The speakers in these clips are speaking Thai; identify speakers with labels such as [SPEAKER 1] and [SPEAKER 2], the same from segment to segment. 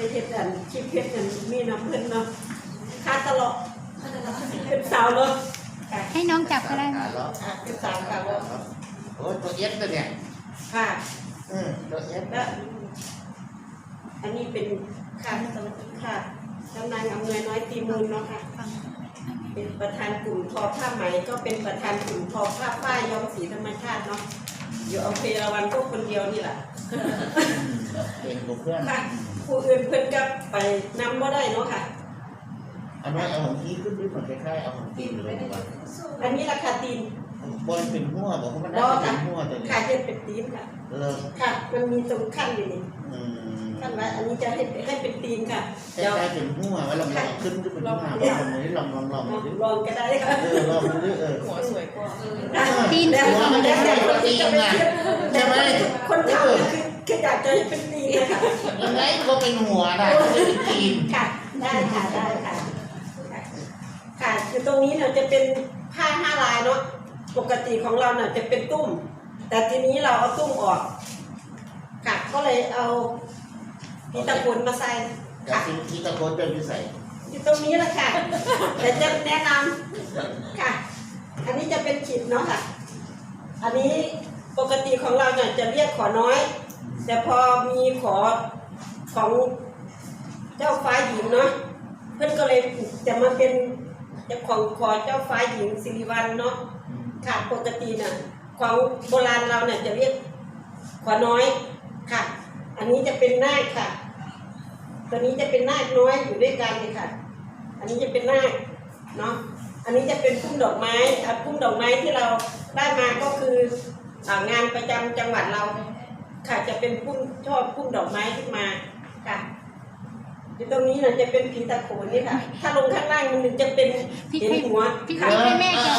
[SPEAKER 1] เฮ็ดอันคลิปเฮ็ดอันมีน้ำเพิ่นเนาะค่าตลอดเป็นสาวเนาะ
[SPEAKER 2] ให้น้องจับก็ได้
[SPEAKER 1] เป็นสาวค่ะ
[SPEAKER 3] โอ้ตัวเอสตัวเนี่ย
[SPEAKER 1] ค่ะ
[SPEAKER 3] ตัวเอส
[SPEAKER 1] แล้วอันนี้เป็นค่ะค่ะกำนันอำนวยน้อยตีมูลเนาะค่ะเป็นประธานกลุ่มทอผ้าไหมก็เป็นประธานกลุ่มทอผ้าฝ้ายย้อมสีธรรมชาติเนาะอยู่อำเภอละวันก็คนเดียวนี่แหละ
[SPEAKER 3] เป็นกลุ่มเพื่อน
[SPEAKER 1] ค่ะผู้อื่นเพื่อนก็ไปนำก็ได้เนาะค่ะ
[SPEAKER 3] อันนี้เอาของที่ขึ้นด้วยผลคล้ายๆเอาของตีนเลยดีกว่า
[SPEAKER 1] อันนี้ราคาตีน
[SPEAKER 3] บอลเป็นหัวบอกว่ามันได้เป็นหัวตัวนี้
[SPEAKER 1] ค่ะเห็ดเป็นตีนค่ะค่ะมันมีตรงขั้นอยู่นี่ขั้นไว้อันนี้จะให้เป็นตีนค่ะ
[SPEAKER 3] เดี๋ยวเป็นหัวไว้ลองขึ้นด้วยเป็นหัวลองนี้ลอง
[SPEAKER 1] ลองก็ได้ค่ะ
[SPEAKER 3] ลองดู
[SPEAKER 1] หัวสวยกว่า
[SPEAKER 2] ตีน
[SPEAKER 3] หัวมันจะใหญ่กว่าตีนไงใช่ไหม
[SPEAKER 1] คนทำคืออยากจะให้เป็นตีนนะคะ
[SPEAKER 3] ยังไงก็เป็นหัวได้เป็นตีน
[SPEAKER 1] ค่ะได้ค่ะได้ค่ะค่ะคือตรงนี้เนี่ยจะเป็นผ้า5 ลายเนาะปกติของเราเนี่ยจะเป็นตุ้มแต่ทีนี้เราเอาตุ้มออกค่ะก็เลยเอาพีตะกุนมาใส่
[SPEAKER 3] ค่ะพีตะกุนเป็นพิเศษ
[SPEAKER 1] อยู่ตรงนี้แหละค่ะแต่จะแนะนำค่ะอันนี้จะเป็นขีดเนาะค่ะอันนี้ปกติของเราเนี่ยจะเรียกขอน้อยแต่พอมีขอของเจ้าฟ้าหญิงเนาะเพื่อนก็เลยจะมาเป็นจะของขอเจ้าฟ้าหญิงสิริวัลเนาะค่ะปกติน่ะของโบราณเราเนี่ยจะเรียกขอน้อยค่ะอันนี้จะเป็นนาคค่ะตัวนี้จะเป็นนาคน้อยอยู่ด้วยกันเลยค่ะอันนี้จะเป็นนาคเนาะอันนี้จะเป็นพุ่มดอกไม้พุ่มดอกไม้ที่เราได้มาก็คืองานประจำจังหวัดเราค่ะจะเป็นพุ่มชอบพุ่มดอกไม้ขึ้นมาค่ะตรงนี้น่ะจะเป็นผีตะโขนนี่ค่ะถ้าลงข้างล่างมันจะเป็นเห็นหัว
[SPEAKER 2] พี่ให้แม่จับ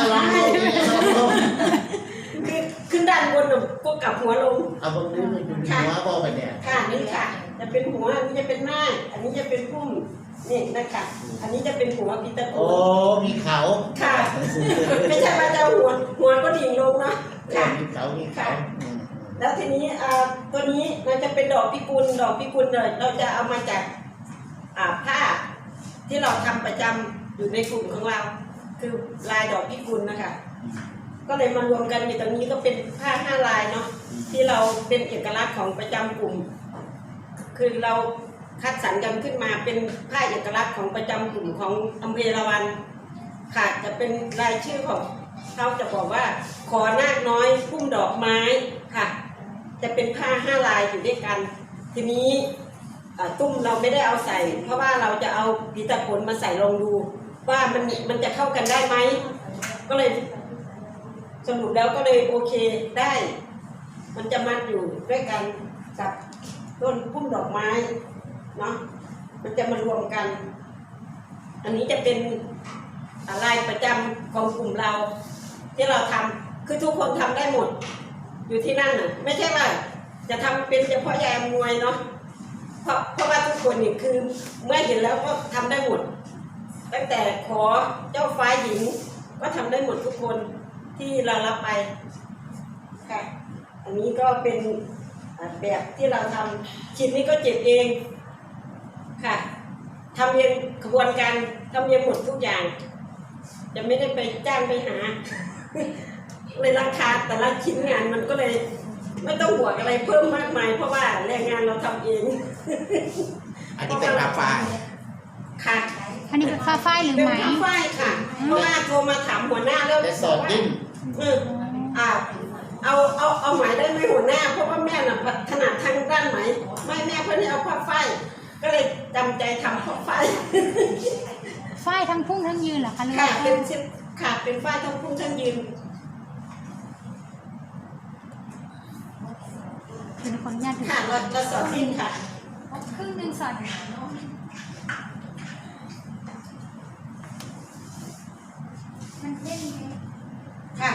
[SPEAKER 1] คือขึ้นด้านบนก็กลับหัวลง
[SPEAKER 3] เอาบางทีมันเป็นหัวบอกไปเนี่ย
[SPEAKER 1] ค่ะนี่ค่ะจะเป็นหัวอันนี้จะเป็นหน้าอันนี้จะเป็นพุ่มนี่นะคะอันนี้จะเป็นหัวผีตะโขน
[SPEAKER 3] โอ้มีเขา
[SPEAKER 1] ค่ะไม่ใช่ว่าจะหัวก็ดิ่งลงนะ
[SPEAKER 3] ค่ะมีเขา
[SPEAKER 1] แล้วทีนี้ตัวนี้มันจะเป็นดอกพิกุลเลยเราจะเอามาจากผ้าที่เราทำประจำอยู่ในกลุ่มของเราคือลายดอกพิกุลนะคะก็เลยมารวมกันอยู่ตรงนี้ก็เป็นผ้า5 ลายเนาะที่เราเป็นเอกลักษณ์ของประจำกลุ่มคือเราคัดสรรกันขึ้นมาเป็นผ้าเอกลักษณ์ของประจำกลุ่มของอำเภอละวันค่ะจะเป็นรายชื่อของเขาจะบอกว่าขอนาคน้อยพุ่มดอกไม้ค่ะจะเป็นผ้า5 ลายอยู่ด้วยกันทีนี้ตุ้มเราไม่ได้เอาใส่เพราะว่าเราจะเอาผีตะโขนมาใส่ลองดูว่ามันจะเข้ากันได้ไหมก็เลยสรุปแล้วก็เลยโอเคได้มันจะมัดอยู่ด้วยกันกับต้นพุ่มดอกไม้เนาะมันจะมารวมกันอันนี้จะเป็นลายประจำของกลุ่มเราที่เราทำคือทุกคนทำได้หมดอยู่ที่นั่นน่ะไม่ใช่ว่าจะทำเป็นเฉพาะยายอำนวยเนาะเพราะว่าทุกคนนี่คือเมื่อเห็นแล้วก็ทำได้หมดตั้งแต่ขอเจ้าฟ้าหญิงก็ทำได้หมดทุกคนที่เรารับไปค่ะอันนี้ก็เป็นแบบที่เราทำชิ้นนี้ก็เจ็บเองค่ะทำเองกระบวนการทำเองหมดทุกอย่างจะไม่ได้ไปจ้างไปหาเลยราคาแต่ละชิ้นงานมันก็เลยไม่ต้องบวกอะไรเพิ่มมากมายเพราะว่าแรงงานเราทำเอง
[SPEAKER 3] อันนี้เป็นผ้าฝ้าย
[SPEAKER 1] ค่ะ
[SPEAKER 2] อันนี้เป็นผ้าฝ้ายหรือไหม
[SPEAKER 1] เป็นผ้าฝ้ายค่ะเพราะว่าโทรมาถามหัวหน้าแล้ว
[SPEAKER 3] สอนดิ้น
[SPEAKER 1] เอาไหมได้ไหมหัวหน้าเพราะว่าแม่น่ะถนัดทางด้านไหมไม่แม่เพื่อนให้เอาผ้าฝ้ายก็เลยจำใจทำผ้าฝ้าย
[SPEAKER 2] ฝ้ายทั้งพุ่งทั้งยืนเหรอคะ
[SPEAKER 1] ค่ะเป็นชิ้นค่ะเป็นฝ้ายทั้งพุ่งทั้งยืน
[SPEAKER 2] เป็นคนญาติ
[SPEAKER 1] ค่ะเราสอนดิ้นค่ะ
[SPEAKER 2] ครึ่งนึงสอนมันเล่น
[SPEAKER 1] ค่ะ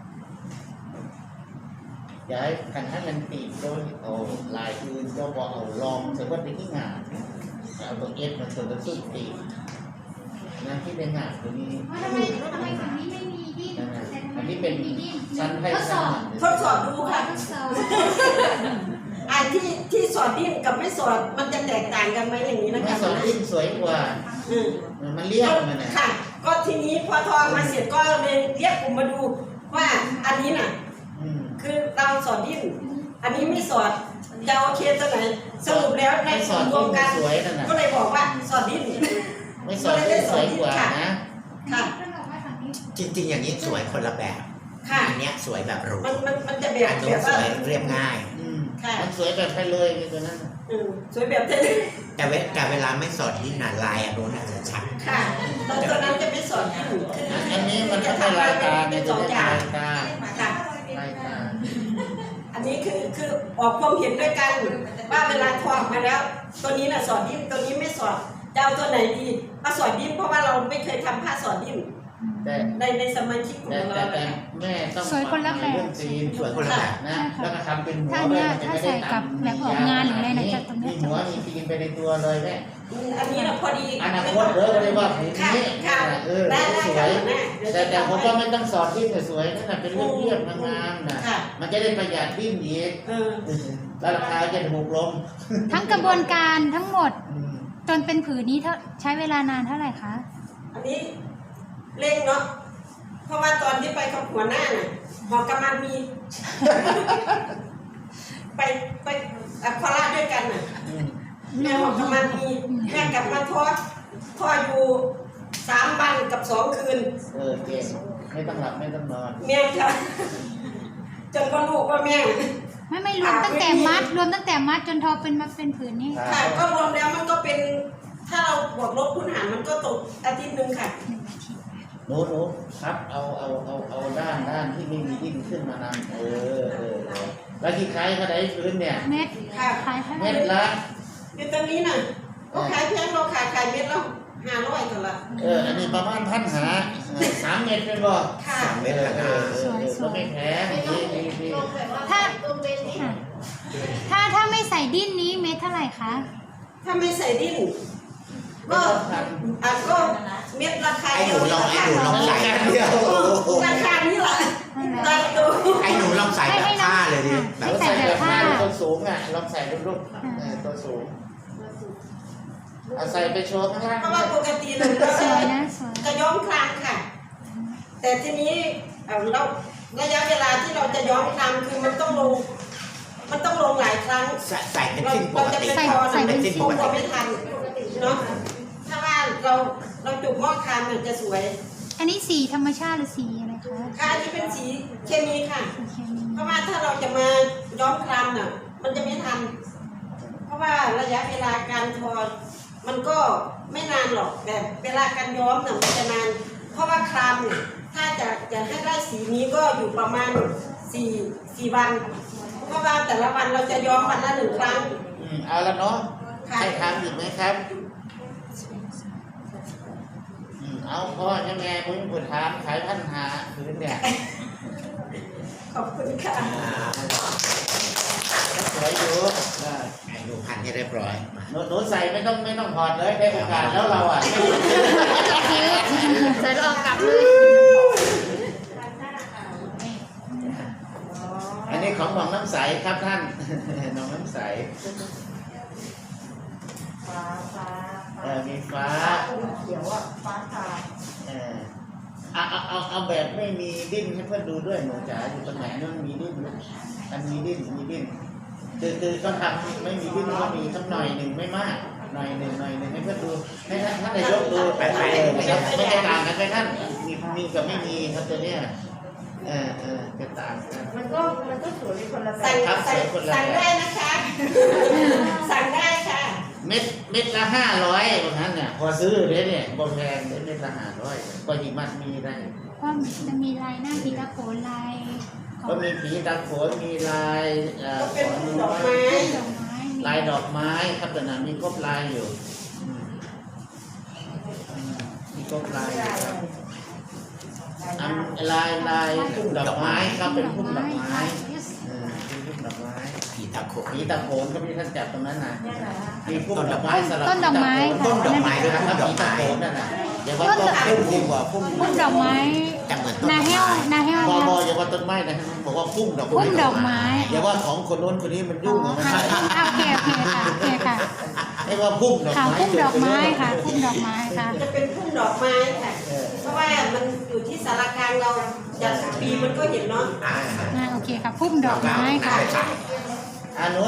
[SPEAKER 3] ย้ายกันให้มันตีโดยเอาลายอื่นก็บอกเอาลองเสร็จว่าเป็นที่งานเอาตัวเอสมาเสริมตัวสุดตีนะที่เป็นงานตัวนี้
[SPEAKER 2] ทำไมฝั่งนี้ไม่มีดิ้น
[SPEAKER 3] อันนี้เป็นชั้นให้
[SPEAKER 1] ทดสอบดูค่ะอันที่สอดดิ้นกับไม่สอดมันจะแตกต่างกันไหมอย่างนี้นะ
[SPEAKER 3] ไม่
[SPEAKER 1] คะ
[SPEAKER 3] สอนดิ้นสวยกว่า
[SPEAKER 1] อืม
[SPEAKER 3] มันเรียบมันนะ
[SPEAKER 1] ค่ะ ก็ทีนี้พอทอมาเสร็จก็เลยเรียกกลุ่มมาดูว่าอันนี้น่ะ
[SPEAKER 3] อืม
[SPEAKER 1] คือเราสอดดิ้นอันนี้ไม่สอดจะโอเคตัวไหนสรุปแล้วใน
[SPEAKER 3] ไม่ส
[SPEAKER 1] ส่
[SPEAKER 3] อ
[SPEAKER 1] วน นร
[SPEAKER 3] ดิ้
[SPEAKER 1] วน มกัน
[SPEAKER 3] สวยนั่นน่ะ
[SPEAKER 1] ก็เลยบอกว่าสอดดิ้น
[SPEAKER 3] ไม่สอนดิ้นสวยกว่านะ
[SPEAKER 1] ค่ะ
[SPEAKER 2] ท่านบอกว่าฝั่งนี้
[SPEAKER 4] จริงๆอย่างนี้สวยคนละแบบ
[SPEAKER 1] ค่ะ
[SPEAKER 4] อันเนี้ยสวยแบบหรู
[SPEAKER 1] มันจะแบ
[SPEAKER 4] อั
[SPEAKER 1] บ
[SPEAKER 4] น
[SPEAKER 1] แบ
[SPEAKER 4] นู้น
[SPEAKER 1] บ
[SPEAKER 4] ส
[SPEAKER 1] ว่า
[SPEAKER 4] วยเรียบง่าย
[SPEAKER 3] อืม
[SPEAKER 1] ค่ะ
[SPEAKER 3] มันสวยแบบไปเลยตัวนั้นน่ะ
[SPEAKER 1] สวยแบบเท่
[SPEAKER 4] แต่เวลาไม่สอดที่หนาลายอันนู้นอาจจะชัด
[SPEAKER 1] ค่ะตัวนั้นจะไม่สอดดิ้นคือ
[SPEAKER 3] อันนี้มันต้องเป็นลายตาเนี่ย
[SPEAKER 1] ส
[SPEAKER 3] จะ
[SPEAKER 1] อง
[SPEAKER 3] ได้
[SPEAKER 1] อย่าง
[SPEAKER 3] ลายตา
[SPEAKER 1] ค่ะ
[SPEAKER 3] ลายตา
[SPEAKER 1] อันนี้คือออกความเห็นด้วยกันว่าเวลาทอดมาแล้ว ตัวนี้น่ะสอดดิ้นตัวนี้ไม่สอดจะเอาตัวไหนดีเอาสอดดิ้นเพราะว่าเราไม่เคยทำผ้าสอดดิ้น
[SPEAKER 3] แต่
[SPEAKER 1] ในสมาชิกของ
[SPEAKER 3] แต่
[SPEAKER 1] เรา
[SPEAKER 3] แต่แม่ต้อง
[SPEAKER 2] สวยคนละแบบ
[SPEAKER 3] เรื่องจีน
[SPEAKER 4] สวยคนละแบบ
[SPEAKER 3] นะแล้วก็ทำเป็นหัว
[SPEAKER 2] ถ้าเนี่ยถ้าใส่กับแบบออกงานหรืออะไรนะจะตรงนี้
[SPEAKER 3] มีหัวมีตีนไปในตัวเลยแม่
[SPEAKER 1] อันนี้เราพอดี
[SPEAKER 3] อนาคตเด้อก็เลยว่าผืน
[SPEAKER 1] ค่ะ
[SPEAKER 3] นี้
[SPEAKER 1] ค่ะ
[SPEAKER 3] เออ
[SPEAKER 1] ได้
[SPEAKER 3] ส
[SPEAKER 1] ค่ะ
[SPEAKER 3] วย
[SPEAKER 1] แม่เดี๋ยวจะ
[SPEAKER 3] แต่ผม
[SPEAKER 1] ทำ
[SPEAKER 3] ว่า
[SPEAKER 1] ให้
[SPEAKER 3] ไม่ต้องสอนที่สวยๆนั่นน่ะเป็นเรื่องเรียบงามๆนะ
[SPEAKER 1] ค่ะ
[SPEAKER 3] มันจะได้ประหยัดดิ้นอีก
[SPEAKER 1] เออ
[SPEAKER 3] แล้วราคาจะถูกลง
[SPEAKER 2] ทั้งกระบวนการทั้งหมด
[SPEAKER 3] อืม
[SPEAKER 2] จนเป็นผืนนี้ใช้เวลานานเท่าไหร่คะ
[SPEAKER 1] อันนี้เร่งเนาะเพราะว่าตอนที่ไปกับหัวหน้าน่ะหอกำมันมี ไปโคราชด้วยกันน่ะ
[SPEAKER 3] อืม
[SPEAKER 1] แม่หอกำมันมีแม่กลับมาทออยู่3 วันกับ2 คืน
[SPEAKER 3] เก่งไม่ต้องหลับไม่ต้องนอน
[SPEAKER 1] แม่ค่ะจนก็ลูกว่าแม่
[SPEAKER 2] ไม่รวมตั้งแต่มัดจนทอเป็นมาเป็นผืนนี้
[SPEAKER 1] ค่ะก็รวมแล้วมันก็เป็นถ้าเราบวกลบคูณหารมันก็ตกอาทิตย์หนึ่งค่ะ
[SPEAKER 3] หนูครับเอาด้านที่ไม่มีดิ้นขึ้นมานำแล้วที่ขายก็ได้พื้นเนี่ย
[SPEAKER 2] เม็ด
[SPEAKER 1] ค่ะ
[SPEAKER 2] ขายเท่าไห
[SPEAKER 3] เม็
[SPEAKER 2] ร่
[SPEAKER 3] ดละ
[SPEAKER 1] อยู่ตรงนี้น่ะเราขายแพงเราขายเม็ดละ500กันละ
[SPEAKER 3] อันนี้ประมาณ3 เม็ดเป็นบ่
[SPEAKER 1] ค่ะ
[SPEAKER 4] 3 เมตรนะ
[SPEAKER 3] ก็ไม่แพงดี
[SPEAKER 2] ถ้าถ้าไม่ใส่ดิ้นนี้เม็ดเท่าไหร่คะ
[SPEAKER 1] ถ้าไม่ใส่ดิ้นก็ก็เม็ดราคา
[SPEAKER 4] ไอ้หนูลองใส่
[SPEAKER 1] ราคานี้แหละตามตัว
[SPEAKER 4] ไอ้หนูลองใส่แบบผ้าเลยดิแบบ
[SPEAKER 3] ใส่แบบผ้าตัวสูงอ่ะลองใส่รูปตัวสูงเอาใส่ไปโชว์ข้างล่าง
[SPEAKER 1] เพราะว่าปกติเรา
[SPEAKER 2] สวยนะสวย
[SPEAKER 1] จะย้อมครามค่ะ แต่ทีนี้เราระยะเวลาที่เราจะย้อมครามคือมันต้องลงหลายครั้ง
[SPEAKER 4] ใส่เป็นสิ้นป
[SPEAKER 1] เรา
[SPEAKER 4] ก
[SPEAKER 1] จะ
[SPEAKER 4] ติ
[SPEAKER 1] ไปทอ
[SPEAKER 4] เป็นสิ้น
[SPEAKER 1] ค
[SPEAKER 4] ป
[SPEAKER 1] ง
[SPEAKER 4] ก
[SPEAKER 1] จะ
[SPEAKER 4] ติ
[SPEAKER 1] ไม่ทันเนาะถ้าว่าเราจุกหม้อครามเนี่ยจะสวย
[SPEAKER 2] อันนี้สีธรรมชาติหรือสีอะไรคะ
[SPEAKER 1] ค่ะอันนี้เป็นสีเคมีค่ะ
[SPEAKER 2] สีเคมี
[SPEAKER 1] เพราะว่าถ้าเราจะมาย้อมครามน่ะ มันจะไม่ทัน เพราะว่าระยะเวลาการทอมันก็ไม่นานหรอกแต่เวลาการย้อมน่ะมันจะนาน เพราะว่าครามเนี่ยถ้าจะให้ได้สีนี้ก็อยู่ประมาณ4 วัน เพราะว่าแต่ละวันเราจะย้อมวันละ1 ครั้ง
[SPEAKER 3] เอาละเนาะ
[SPEAKER 1] ค่ะ
[SPEAKER 3] ให้ทำอีกไหมครับเอาพ่อแม่คุณผู้ถามขายพันหาพื้นเนี่ย
[SPEAKER 1] ขอบคุณค่ะ
[SPEAKER 3] สวยอยู่
[SPEAKER 4] ไอ้หนูพันให้เรียบร้อย
[SPEAKER 3] หนูใส่ไม่ต้องถอดเลยได้โอกาสแล้วเราอ่ะ
[SPEAKER 2] ใส่แล้วเอากลับเลย
[SPEAKER 3] อันนี้ของหนองน้ำใสครับท่าน หนองน้ำใสมีฟ้า
[SPEAKER 1] เขียวอ่ะฟ้าทา
[SPEAKER 3] เอาแบบไม่มีดิ้นให้เพื่อนดูด้วยหนูจ๋าอยู่ตรงไหนนั่นมีดิ้นมันมีดิ้นคือเขาทำไม่มีดิ้นก็มีสักหน่อยหนึ่งไม่มากหน่อยหนึ่งให้เพื่อนดูให้ท่านนายกดูไปครับไม่ได้ต่างกันไหมท่านมีกับไม่มีครับตัวเนี้ยจะต่างกัน
[SPEAKER 1] มันก็สวยคนละแบบสั่งได้นะคะ สั่งได้ค่ะ
[SPEAKER 3] เม็ดละ500บางนั้นเนี่ยพอซื้อเลยเนี่ยบ่แพงเม็ดละ500ก็หิมัดมีได้
[SPEAKER 2] ก็จะมีลายหน้าพิตาโขนลาย
[SPEAKER 3] ก็มีผีตาโขนมีลาย
[SPEAKER 1] ก็เป็นดอกไม้
[SPEAKER 2] ดอกไม้
[SPEAKER 3] ลายดอกไม้ครับแต่นั้นมีครบลายอยู่มีครบลายอยู่ครับลายดอกไม้ครับเป็นพุ่มดอกไม้เป็นพุ่มดอกไม้
[SPEAKER 4] ผีตะโขน
[SPEAKER 3] ผีตาโขนก็มีท่านจับตรงนั้นนะมีพุ่มดอกไม้สลับ
[SPEAKER 2] ต้นดอกไม้ค่ะ
[SPEAKER 4] ต้นดอกไม้ด้วย
[SPEAKER 3] นะ
[SPEAKER 4] นะ
[SPEAKER 3] ค
[SPEAKER 4] ต้
[SPEAKER 3] รับ
[SPEAKER 4] นดอก
[SPEAKER 3] ผีตา
[SPEAKER 4] ไม้
[SPEAKER 3] โขนนั่นน่ะเดี๋ยวว่าต้นพุ่มดีกว่าพุ่ม
[SPEAKER 2] พุ่มดอกไม้
[SPEAKER 4] แต่เหมือน
[SPEAKER 2] นาแห้วนาแห้ว
[SPEAKER 3] บออย่าว่าต้นไม้นะบอกว่าพุ่มดอกไม้
[SPEAKER 2] พุ่มดอกไม้
[SPEAKER 3] อย่าว่าของคนโน้นคนนี้มัน
[SPEAKER 2] อ๋
[SPEAKER 3] ยุ่ง
[SPEAKER 2] อ
[SPEAKER 3] มัน
[SPEAKER 2] ค่ะ
[SPEAKER 3] ไม่
[SPEAKER 2] โอเคค่ะโอเคค่ะ
[SPEAKER 3] ให้ว่าพุ่มดอก
[SPEAKER 2] ค่ะ
[SPEAKER 3] ไม้
[SPEAKER 2] พุ่มดอกไม้ค่ะพุ่มดอกไม้ค่ะ
[SPEAKER 1] จะเป็นพุ่มดอกไม้ค่ะ เพราะว่ามันอยู่ที่สารกลางเราจากปีมันก็เห็นเนาะ
[SPEAKER 2] โอเคค่ะพุ่มดอกไม้ค่ะ
[SPEAKER 3] อ่าหนู